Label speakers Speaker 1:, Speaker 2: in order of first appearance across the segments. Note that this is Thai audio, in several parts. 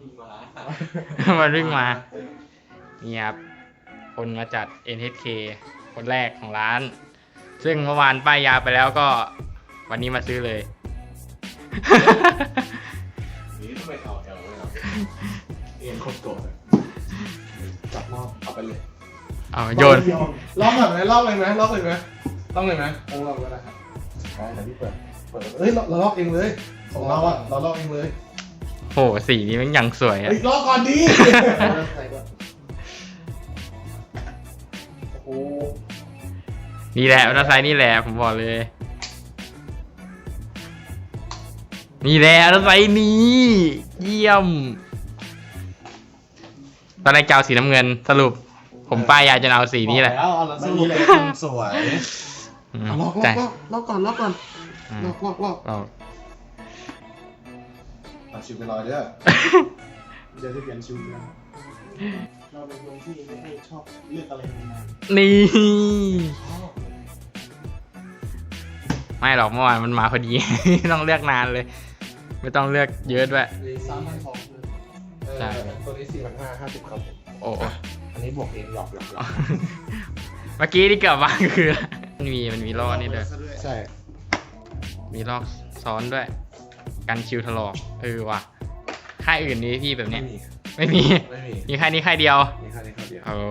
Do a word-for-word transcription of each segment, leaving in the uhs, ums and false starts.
Speaker 1: มันวิ่งมานี่ครับคนมาจัด เอ็น เอช เค คนแรกของร้าน ซึ่งเมื่อวานป้ายยาไปแล้วก็วันนี้มาซื้อเลย
Speaker 2: นี่ทำไมเอาแอลเลยครับเอ็นโคตรโกรธจับมอบเอาไปเลย
Speaker 1: เอาโยน
Speaker 2: ล็อกแบบไหนล็อกเลยไหมล็อกเลยไหมล็อกเลยไหมต้องล็อกก็ได้ครับได้แต่พี่เปิดเปิดเอ้ยเราล็อกเองเลยของเราอะเราล็อกเองเลย
Speaker 1: โหสีนี้มันยังสวยอะ
Speaker 2: ล็อกก่อนดิโอ้
Speaker 1: นี่แหละอัลไซด์นี่แหละผมบอกเลยนี่แหละอัลไซด์นี้เยี่ยมตอนแรกจะเอาสีน้ำเงินสรุปผมป้ายยาจะเอาสีนี้แหละ
Speaker 2: แล้วเอาสีนี้เลยสวยล็อกล็อกล็อกก่อนล็อกก่อนล็อกล็อกล็อกเอาชิวไปลอยเด้อเดี๋ยวจะเปลี่ยนชิวนะเราเป็นคนที่ไม่ค่อยชอบเลือกอะไรนาน
Speaker 1: นี่ไม่หรอกเมื่อวานมันมาพอดีไม่ต้องเลือกนานเลยไม่ต้องเลือกเยอะด้วย
Speaker 2: สามพันสองใช่ตัวนี้สี่พันห้าห้าสิบครับ
Speaker 1: โอ้
Speaker 2: อันนี้บวกเองหยอกหยอกหยอก
Speaker 1: เมื่อกี้ที่เกิดมาคือมันมีมันมีลอกนี่ด้วย
Speaker 2: ใช่
Speaker 1: มีลอกซ้อนด้วยกันคิวถลอกเออว่ะค่ายอื่นนี้พี่แบบเนี้ยไม่มี
Speaker 2: ไม่มี
Speaker 1: มีค่ายนี้ค่ายเดียว
Speaker 2: มีค่ายนี้ค่ายเดียว
Speaker 1: โอ้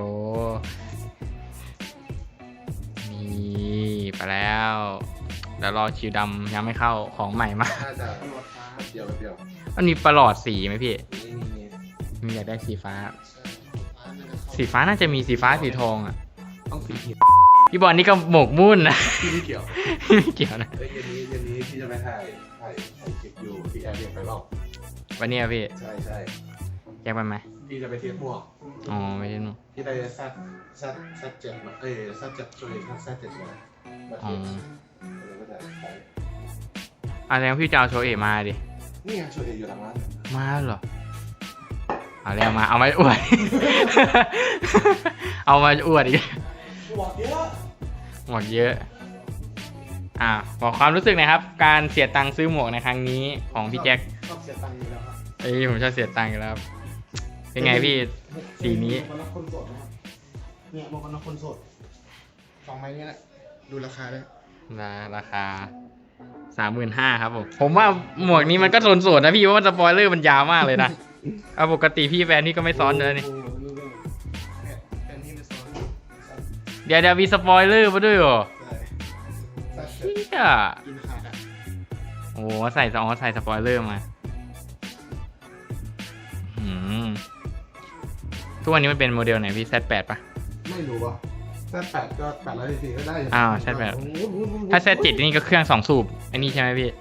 Speaker 1: นี่ไปแล้วแล้วรอคิวดำยังไม่เข้าของใหม่มา
Speaker 2: น่าจะเดียวเดียว
Speaker 1: มันมีประหลอดสีไหมพี่มีอยากได้สีฟ้าสีฟ้าน่าจะมีสีฟ้าสีทองอ่ะ
Speaker 2: ต้องสีเขียว
Speaker 1: พี่บอลนี่ก็หมกมุ่นนะ
Speaker 2: พี่ไม่เกี่ยว
Speaker 1: ไม่เกี่ยวนะ
Speaker 2: เย็นนี้เย็นนี้พี่จะไปถ่ายถ่ายถ่ายคลิปอยู่ที่แอร์เรียกไปรอบ
Speaker 1: วันนี้พี่
Speaker 2: ใช่ใช่
Speaker 1: แยกไปไหม
Speaker 2: พี่จะไปเทียบพวก
Speaker 1: อ๋อไม่ใช่หนู
Speaker 2: พี่ไปซัดซัดซัดเจ็ดมาเอ้ยซัดเจ็ดช่วยซัดซัดเจ็ดมา
Speaker 1: อ๋ออะไรพี่จะเอาโชเอมาดิ
Speaker 2: นี่ไงโชเออยู่หลังร้าน
Speaker 1: มาเหรอเอาแล้วมาเอามาอวดเอามาอวดอีก
Speaker 2: หมวกเยอะ
Speaker 1: หมวกเยอะอ่าบอกความรู้สึกนะครับการเสียตังค์ซื้อหมวกในครั้งนี้ของพี่แจ็ค
Speaker 2: ชอบเสียตังค์อยู่แล้วครับ
Speaker 1: เอ้ยผมชอบเสียตังค์อยู่แล้วเป็นไงพี่สีนี้
Speaker 2: หมวกกันน็อกคนโสดนะครับเนี่ยหมวกกันน็อกคนโสดสองไม้นี้แหละดูราคาเลย
Speaker 1: ราคาสามหมื่นห้าครับผมผมว่าหมวกนี้มันก็ทนโสดนะพี่เพราะว่าสปอยเลอร์มันยาวมากเลยนะเอาปกติพี่แฟนนี่ก็ไม่ซ้อนเลยนี่เดี๋ยวเดี๋ยวมีสปอยเลอร์มาด้วยเหรอเชี่ยโอ้ใส่อ๋อใส่สปอยเลอร์มาทุกวันนี้มันเป็นโมเดลไหนพี่ แซด แปด ป่ะ
Speaker 2: ไม่รู้ว่ะ แซด แปด ก็แปดร้อยซีซีก็ได้
Speaker 1: อ้าว แซด แปด ถ้า แซด เจ็ด นี่ก็เครื่องสองสูบอันนี้ใช่ไหมพี่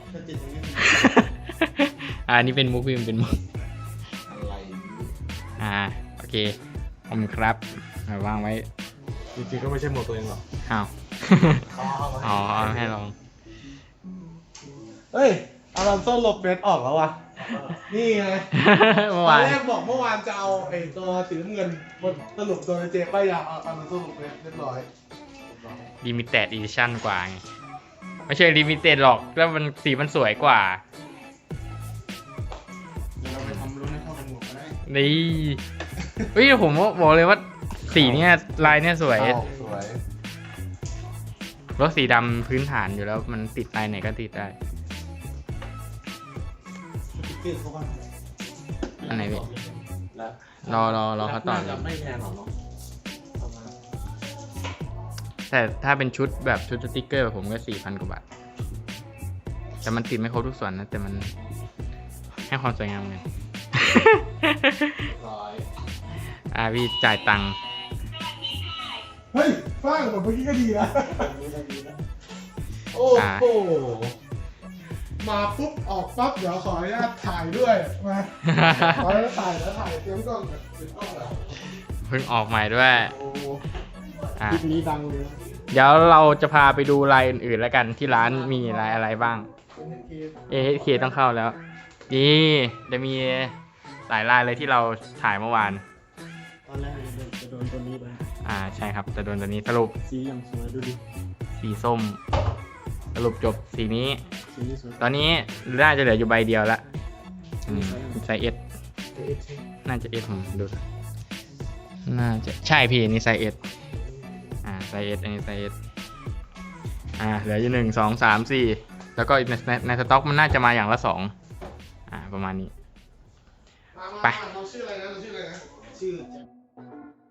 Speaker 1: อ่านี่เป็นมุกพี่มันเป็นมุก
Speaker 2: อะไร
Speaker 1: อ่าโอเคขอบคุณครับวางไว้
Speaker 2: จริงๆก็ไม่ใช่หมวกตัวเองหรอก
Speaker 1: อ้าวอ๋อให้ลอง
Speaker 2: เฮ้ยอารอนโซ่ลบเบสออกแล้ววะนี่ไงเมื่อวานแรกบอกเมื่อวานจะเอาไอ้ตัวสีน้ำเงินสรุปตัวเจป้ายยาเอาอารอนโซ่ลบเบสเรียบร้อย
Speaker 1: ลิมิเต็ดอีดิชั่นกว่าไงไม่ใช่ลิมิเต็ดหรอกแล้วมันสีมันสวยกว่า
Speaker 2: เราไปทำรุ่นให้เข้ากับหมวกก็ได้
Speaker 1: นี่เฮ้ยผมบอกเลยว่าสีเนี้ยลายเนี้ยสวย
Speaker 2: สวย
Speaker 1: รถสีดำพื้นฐานอยู่แล้วมันติดลายไหนก็ติดได้อันไหนพี่รอรอรอเขาต่อ
Speaker 2: ไม่แพงหรอกเนาะ
Speaker 1: แต่ถ้าเป็นชุดแบบชุดสติ๊กเกอร์ผมก็สี่พันกว่าบาทแต่มันติดไม่ครบทุกส่วนนะแต่มันให้ความสวยงามไงอ่าพี่จ่ายตังค์
Speaker 2: เฮ้ยฟ้างแบบเมื่อกี้ก็ดีนะโอ้โหมาปุ๊บออกปั๊บเดี๋ยวขออนุญาตถ่ายด้วยมาขออนุญาตถ่ายแล้วถ่ายเตรียมกล้องเตรียมกล้องแล้ว
Speaker 1: เพิ่งออกใหม่ด้วย
Speaker 2: คลิปนี้ดังเลย
Speaker 1: เดี๋ยวเราจะพาไปดูลายอื่นๆแล้วกันที่ร้านมีลายอะไรบ้าง เอ เอช เค ต้องเข้าแล้วนี่จะมีหลายลายเลยที่เราถ่ายเมื่อวาน
Speaker 2: ตอนแรกจะโดนตัวนี้ไป
Speaker 1: อ่าใช่ครับจะโดนตัวนี้สรุป
Speaker 2: สีอย่างสวยดูดิ
Speaker 1: สีส้มสรุปจบสีนี้ตอนนี้น่าจะเหลืออยู่ใบเดียวละไซส์เอสน่าจะ S ผมดู น่าจะใช่พี่อันนี่ไซส์ S อ่าไซส์ S อันนี้ไซส์ S อ่าเหลืออยู่หนึ่งสองสามสี่แล้วก็ในในในสต็อกมันน่าจะมาอย่างละสองอ่าประมาณนี้
Speaker 2: มามา
Speaker 1: ไป
Speaker 2: มาเราชื่ออะไรนะเราชื่ออะไรนะชื่อ